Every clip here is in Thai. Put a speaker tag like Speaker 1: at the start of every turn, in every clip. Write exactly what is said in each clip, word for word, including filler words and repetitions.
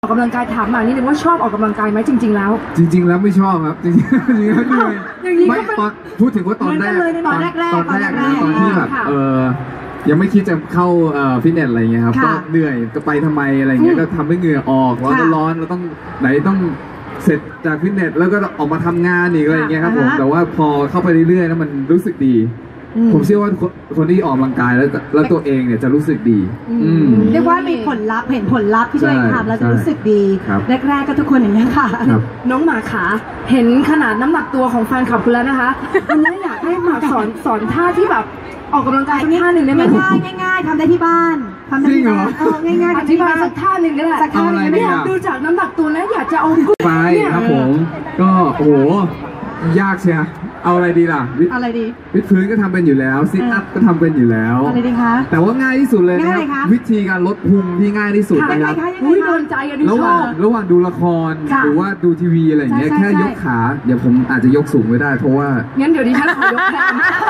Speaker 1: ออกกำลังกายถามมานิดนึงว่าชอบออกกำลังกายไหมจริงๆแล้ว
Speaker 2: จริงๆแล้วไม่ชอบครับจริงๆจริงๆแล้วเหนื่อยไม่ตอนพูดถึงว่าตอนแรก
Speaker 1: ตอนแรก
Speaker 2: ตอนแรกนะตอนที่แบบเออยังไม่คิดจะเข้าฟิตเนสอะไรเงี้ยครับก็เหนื่อยจะไปทำไมอะไรเงี้ยก็ทำให้เหงื่อออกแล้วก็ร้อนเราต้องไหนต้องเสร็จจากฟิตเนสแล้วก็ออกมาทำงานอีกอะไรเงี้ยครับผมแต่ว่าพอเข้าไปเรื่อยๆแล้วมันรู้สึกดีผมเชื่อว่าคนที่ออกกำลังกายแล้วแล้วตัวเองเนี่ยจะรู้สึกดี
Speaker 3: เรียกว่ามีผลลัพธ์เห็นผลลัพธ์ที่ตัวเองทำแล้วจะรู้สึกดีแรกๆก็ทุกคนอย่างนี้ค่ะ
Speaker 1: น้องหมาขาเห็นขนาดน้ำหนักตัวของแฟนคลับคุณแล้วนะคะวันนี้อยากให้หมาสอนสอนท่าที่แบบออกกำลังกายสักท่าหนึ่งได้ไหม
Speaker 3: ง่ายง่ายๆทำได้ที่บ้านทำได้ที่บ้านเออง่ายๆ
Speaker 1: อธิบายสักท่าหนึ่งก็ได้
Speaker 3: สักท่าหนึ่งไม่
Speaker 1: อยากดูจากน้ำหนักตัวแล้วอยากจะเอา
Speaker 2: ไปครับผมก็โอ้โหยากเชียเอาอะไรดีล่ะ
Speaker 3: อะไรดี
Speaker 2: วิดพื้นก็ทำเป็นอยู่แล้วซิทอัพก็ทำเป็นอยู่แล้ว
Speaker 3: อะไรดีคะ
Speaker 2: แต่ว่าง่ายที่สุดเลยนะครับวิธีการลดพุงที่ง่ายที่สุดนะครับ
Speaker 1: อุ้ยโดนใจอันนี้ชอบ
Speaker 2: ระหว่างระหว่างดูละครหรือว่าดูทีวีอะไรอย่างเงี้ยแค่ยกขาเดี๋ยวผมอาจจะยกสูงไม่ได้เพราะว่า
Speaker 1: งั้นเดี๋ยวดิฉันขอยกแทน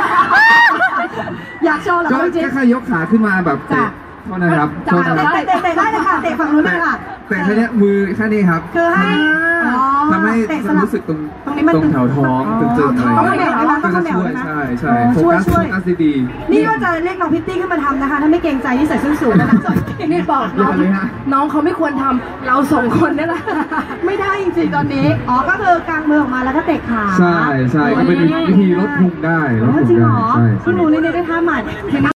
Speaker 3: อยากโชว์เหรอ
Speaker 2: ก็แค่ยกขาขึ้นมาแบบเตะเท่านั้นครับ
Speaker 3: เตะเตะได้เลยค่ะเตะฝั่งนู้นเลยค่ะ
Speaker 2: แต่แค่นี้มือแค่นี้ครับ
Speaker 3: คือให้
Speaker 2: ทำให้รู้สึกตรงตรงแถวท้องตึงๆอะไรอย่างเงี้ยก็จะช่วยใช่ใช่โฟกัสโฟกัสดี
Speaker 3: นี่ก็จะเรียกน้องพิตตี้ขึ้นมาทำนะคะถ้าไม่เกรงใจที่ใส่ส้นสูงนะ
Speaker 1: นี่บอกน้องน้องเขาไม่ควรทำเราสองคนนี่แหละ
Speaker 3: ไม่ได้จริงๆตอนนี้อ๋อก็คือกางมือออกมาแล้วก็เตะขา
Speaker 2: ใช่ใช่ก็เป็นวิธีลดพุงได้ลดพุงได้
Speaker 3: ใช่จริงเหรอคุณหนูนี่ได้ท่าใหม่